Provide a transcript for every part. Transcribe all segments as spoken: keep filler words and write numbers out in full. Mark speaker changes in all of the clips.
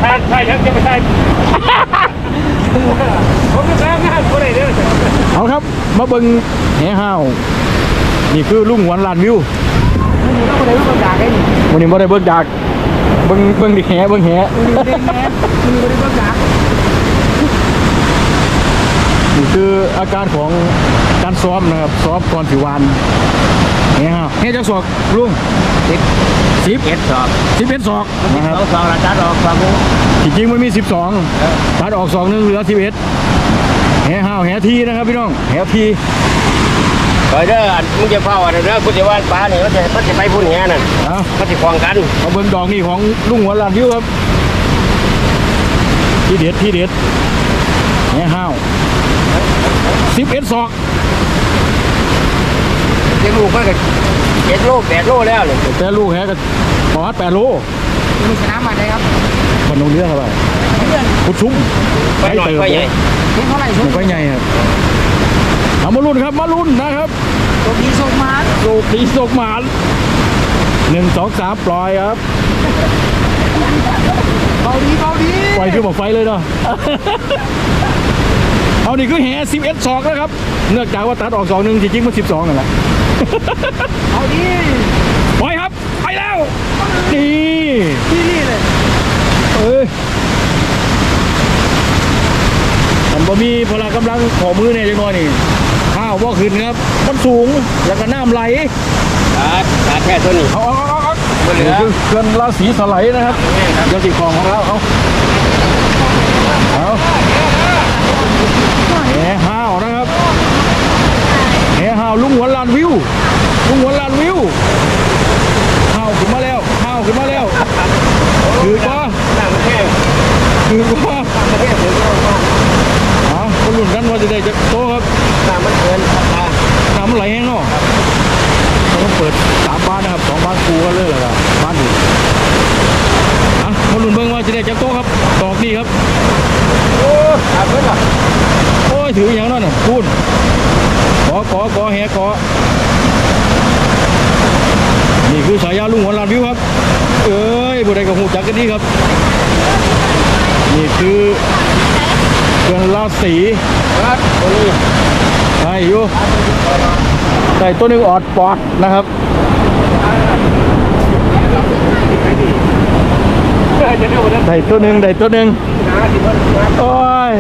Speaker 1: ใช่ใช่ยังจะไม่ใช่ผมจะแซงงานคนไหนเนี่ย
Speaker 2: เอาครับมาเบิ่งแห่ห้าวนี่คือลุงหวนลานวิววันนี้บ่ได้เบิ่งดากเบิ่งเบิ่งดิแห่เบิ่งแห่นี่คืออาการของการซ้อมนะครับซ้อมก่อนสิวานแห่ห้าวแห่จักศอกลุงสิบ สิบเอ็ดศอกสิบเอ็ดศอกนะครับสองตัดออกสองจริงๆมันมีสิบสองตัดออกสองนึงเหลือสิบเอ็ดแห่ห้าวแห่ทีนะครับพี่น้องแห่ที
Speaker 1: ไปเด้อมึงจะเฝ้าอะไรเด้อกูจะว่านปลาเนี่ยมันจะมันจะไปพุ่นแห่นั่นมันจะคลองกัน
Speaker 2: มาเบิ่งดอกนี่ของลุงหัวลานวิวครับที่เด็ดที่เด็ดแห่ห้าวสิบเอ็ดศอก
Speaker 1: เลี้ยงลูกมันก็เจ็ดโลแปดโลแล้วเลย
Speaker 2: แต่ลูกแห่ก็ประมาณแปดโล
Speaker 1: ลูกชนะมาได้ครับ
Speaker 2: คนลงเรือครับพุดชุ่ม
Speaker 1: ไปหน่อยไปใหญ่
Speaker 2: เท่าไหร่ชุ่มไปใหญ่ครับเอามาลุ้นครับมาลุ้นนะครับ
Speaker 1: โลกีโซกมา
Speaker 2: โลกีโซกมาหนึ่งสองสามปล่อยครับ
Speaker 1: เบาดีเบาดี
Speaker 2: ปล่อยคือบอกไฟเลยเนาะเอานี่คือแห่สิบเอ็ดศอกนะครับเนื่องจากว่าตัดออกสองหนึ่งจริงๆมันสิบสองนั่นแหละ
Speaker 1: เอาดี
Speaker 2: ปล่อยครับไปแล้วนี่
Speaker 1: ที่นี่เลย
Speaker 2: เอ้ยมันบ่มีพละกำลังขอมือเนี่ยจังน้อยนี่ข้าวบ่ขึ้นครับมันสูงแล้วก็น้ำไหล
Speaker 1: ตัดตัดแค่ตัวนี้
Speaker 2: เอาเอาเอาเอาเหลือเกินราศีสไลด์นะครับเจ้าสีของของเราเอาเอาแห่ห้าวนะครับแห่ห้าวลุงหัวลานวิวลุงหัวลานวิวห้าวขึ้นมาแล้วห้าวขึ้นมาแล้วคือก็คือก็อ๋อคนรุ่นกันว่าจะได้จะโตครับ
Speaker 1: น้ำมันเกิน
Speaker 2: น้ำมันไหลแห้งเนาะต้องเปิดสามบ้านนะครับสองบ้านคูกันเลยเหรอครับบ้านดีอ่ะคนรุ่นเบิ่งว่าจะได้จะโตครับดอกนี่ครับ
Speaker 1: โอ้ขาดเพิ่นล่ะ
Speaker 2: โอ้ยถืออย่างนั้นน่ะพูดกอกอกอแหกอนี่คือฉายาลุงหัวลานวิวครับเอ้ยบุได้กับหูจักกันนี่ครับนี่คือเกินราศี
Speaker 1: ครับตัวนี้
Speaker 2: ใช่อยู่ใส่ตัวหนึ่งออดปอดนะครับใส่ตัวหนึ่งใส่ตัวหนึ่งโอ้ย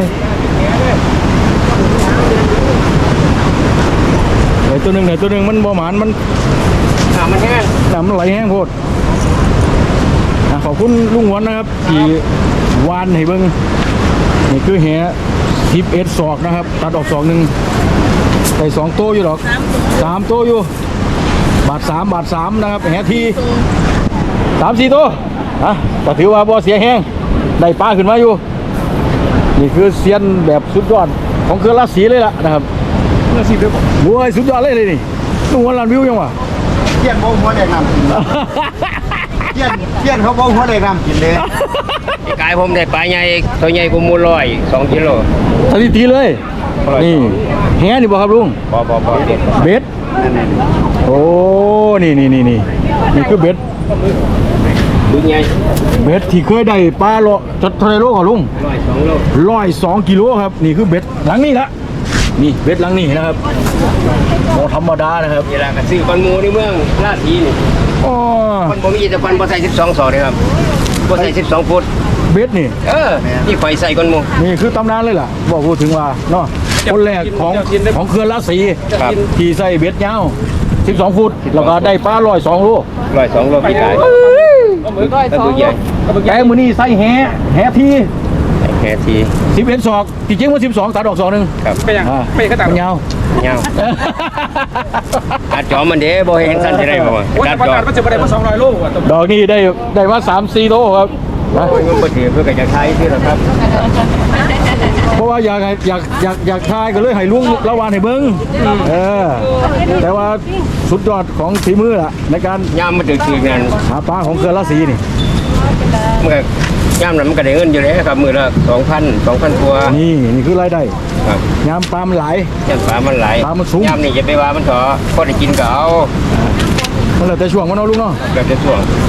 Speaker 2: ใส่ตัวหนึ่งใส่ตัวหนึ่งมันบ่หมานมัน
Speaker 1: น้ำมันแห้ง
Speaker 2: น้ำมันไหลแห้งโพดขอบคุณลุงหวนนะครับที่วานให้เบิ้งนี่คือแห่สิบเอ็ดศอกนะครับตัดออกศอกหนึ่งใส่สองโต้อยู่หรอกสามโต้อยู่บาทสามบาทสามนะครับแห่ทีสามสี่โต้อ่ะแต่ถือว่าบ่เสียแห้งได้ปลาขึ้นมาอยู่นี่คือเซียนแบบสุดยอดของเครือราศีเลยล่ะนะครับราศีเดียวบัวสุดยอดเลยเลยนี่ลุงหวนลานวิวยังวะ
Speaker 1: เทียนโบหัวแดงน้ำเทียนเทียนเขาโบหัวแดงน้ำกินเลยกายผมได้ปลาใหญ่ตัวใหญ่กว่ามูลอยสองกิโล
Speaker 2: สถิติเลยนี่แห่นี่บอกครับลุง
Speaker 1: บอบอบอ
Speaker 2: เบ็ดโอ้นี่นี่นี่นี่นี่คือเบ็ด
Speaker 1: ดูไง
Speaker 2: เบ็ดที่เคยได้ปลาโลจดเท่าไรโลก่อนลุง
Speaker 1: ร้อยสองโล
Speaker 2: ร้อยสองกิโลครับนี่คือเบ็ดหลังนี้ละนี่เบ็ดหลังนี้นะครับโมธรรมดานะครับ
Speaker 1: เวลากระซื้อปันมูในเมืองราศีนี่
Speaker 2: อ๋อ
Speaker 1: ปันบ่มีแต่ปันบ่ใส่สิบสองศอกเลยครับบ่ใส่สิบสองฟุต
Speaker 2: เบ็ดนี่
Speaker 1: เออนี่ไฟใส่ก้นมู
Speaker 2: นี่คือตำนานเลยล่ะบอกพูดถึงว่าเนาะคนแรกของของเครือราศีที่ใส่เบ็ดยาวสิบสองฟุตแล้วก็ได้ปลาร้อยสองโล
Speaker 1: ร้อยสองโลพี่กาย
Speaker 2: ตัวใหญ่แกมือนี่ใส่แห่แห่ที
Speaker 1: แห่ที
Speaker 2: สิบเอ็ดศอกจริงๆว่าสิบสองตัดออกศอกหนึ่ง
Speaker 1: ครับ
Speaker 2: ไม่ยังไม่ก็ตัด
Speaker 1: ยาวยาวตัดจอมันเด้บ่เห็นสั้นจะได้บ่
Speaker 2: ตัดจอมันจะไปได้มาสองร้อยโลดอกนี้ได้ได้มาสามสี่โลครับ
Speaker 1: นะมันบ่ถือเพื่อจะใช้ที่หรอครับ
Speaker 2: เพราะว่าอยากอยากอยากอยากทายก็เลยให้ลุงระวานให้เบิ้งเออแต่ว่าสุดยอดของฝีมือล่ะในการ
Speaker 1: ย่ามมันถือถือเงิน
Speaker 2: หาปลาของเครือราศีนี่
Speaker 1: มันก็ย่ามนั้นมันก็ได้เงินอยู่แล้วครับมือละสองพันสองพันตัว
Speaker 2: นี่นี่คือรายได้ครับยามปลามันไหล
Speaker 1: ยามปลามันไหล
Speaker 2: ปลามันสูง
Speaker 1: ยามนี่จะไปว่ามันเถอะพอได้กินก็เอา
Speaker 2: มันเลยแต่ช่วงมันเอาลุงเนาะ
Speaker 1: แบบแต่ช่วง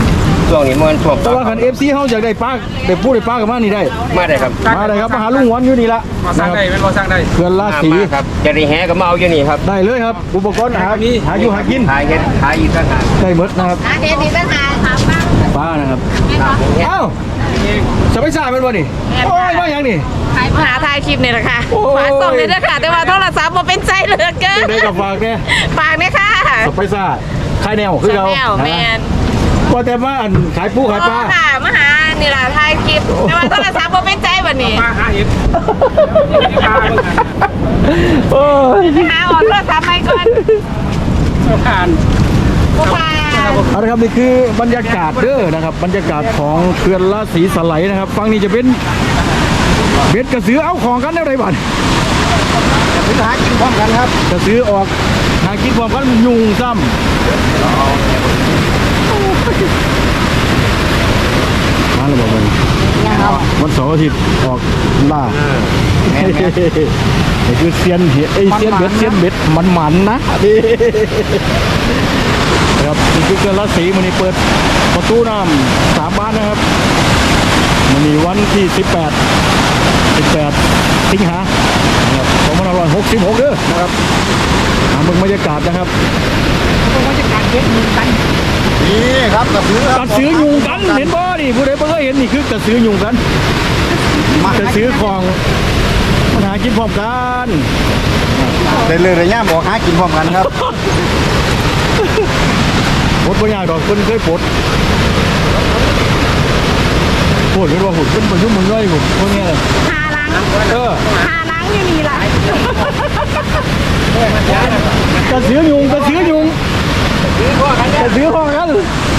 Speaker 1: ช่วงนี้มันช่วง
Speaker 2: แต่ว่าคัน เอฟ ซี เฮาอยากได้ปลาได้ปูได้ปลากันมานี่ได้
Speaker 1: มาได้ครับ
Speaker 2: มาเลยครับมาหาลุงหวนอยู่นี่ละ
Speaker 3: มาสร้างได้เป็นบ่สร้างได้
Speaker 2: เขื่อนรา
Speaker 1: มา
Speaker 2: ศี
Speaker 1: มาครับจะได้แหก็มาเอาอยู่นี่ครับ
Speaker 2: ได้เลยครับอุปกรณ์หาหาอยู่หากิน
Speaker 1: ขายเฮ็ดขายอีกต่างหาก
Speaker 2: ได้หมดนะครับ
Speaker 4: อาเฮ็ดนี่เป็นหาถามบ้าง
Speaker 2: ปลานะครับเอ้าจะไปซ่าเป็นบ่นี่โอ้ยมาอย่างนี่
Speaker 4: มาหาถ่ายคลิปนี่แหละค่ะ
Speaker 2: โอ้ย
Speaker 4: ฝากส่งเลยนะคะแต่ว่าโทรศัพท์บ่เป็นใจเหลือเกิน
Speaker 2: ได้กับฝากเนี่ย
Speaker 4: ฝากเนี่ยค่ะ
Speaker 2: จะไปซ่าขายแนวคือเรา
Speaker 4: แนวแมน
Speaker 2: ว่าแต่ว่าอันขายปูขายปลา
Speaker 4: โอ้ค่ะมาหานี่ล่ะถ่ายคลิปแต่ว่าโทรศัพท์บ่เป็นใจบัดนี้
Speaker 3: มาหาเห็ดปลาเบิ่งกัน
Speaker 2: โอ้ย
Speaker 4: ไปหาออกโทรศัพท์ไปก่อน
Speaker 3: ผ่าน
Speaker 4: บ่ผ่าน
Speaker 2: เอาละครับนี่คือบรรยากาศเด้อนะครับบรรยากาศของเขื่อนราศีสไลด์นะครับฝั่งนี้จะเป็นเบ็ดกระสือเอาของกันได้ไรบ้าง
Speaker 1: ถึงหากินพร้อมกันครับ
Speaker 2: กระสือออกหากินพร้อมกันยุงซ้ำมาแล้วบอกมันวันเสาร์อาทิตย์ออกล่า
Speaker 1: แม่น
Speaker 2: นี่คือเซียนเห็ดไอยเซียนเบ็ดเซียนเบ็ดมันมันๆนะนี่นะครับนี่คือเขื่อนราศีมันนี่เปิดประตูน้ำสามบ้านนะครับมันนี่วันที่สิบแปดสิบแปดสิงหานะครับสองพันห้าร้อยหกสิบหกเด้อนะครับหาเบิ่งบรรยากาศนะครับ
Speaker 1: นี่ครับกระสือก
Speaker 2: ระสือยุงกันเห็นบ่นี่ผู้ใดบ่เคยเห็นนี่คือกระสือยุงกัน
Speaker 1: มาก
Speaker 2: ระสือของมันหากินพร้อมกัน
Speaker 1: ได้เลยระยะบอกหากินพร้อมกันครับ
Speaker 2: ปลดบ่ยากดอกเพิ่นเคยปลดปลดเป็นว่าหุ่นเพิ่นบ่ยุ่งมึงย่อยหุ่นพวกเนี้ยเลย
Speaker 4: หาล้าง
Speaker 2: เออ
Speaker 4: หาล้างอยู่นี่ล่ะ
Speaker 2: กระสือยุงกระสือยุงกระสือพร้อมกัน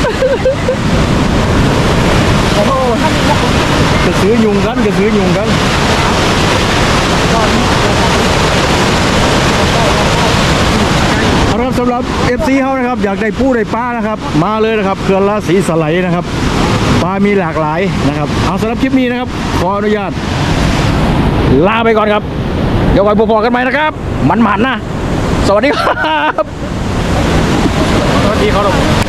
Speaker 2: โอ้โหกระสือยุงกันกระสือยุงกันเอาละครับสำหรับ เอฟ ซี เขานะครับอยากได้ปูได้ปลานะครับมาเลยนะครับเขื่อนราศีสไลด์นะครับปลามีหลากหลายนะครับเอาสำหรับคลิปนี้นะครับขออนุญาตลาไปก่อนครับเดี๋ยวไว้พบกันใหม่นะครับมันๆนะสวัสดีครับ
Speaker 3: สวัสดีครับ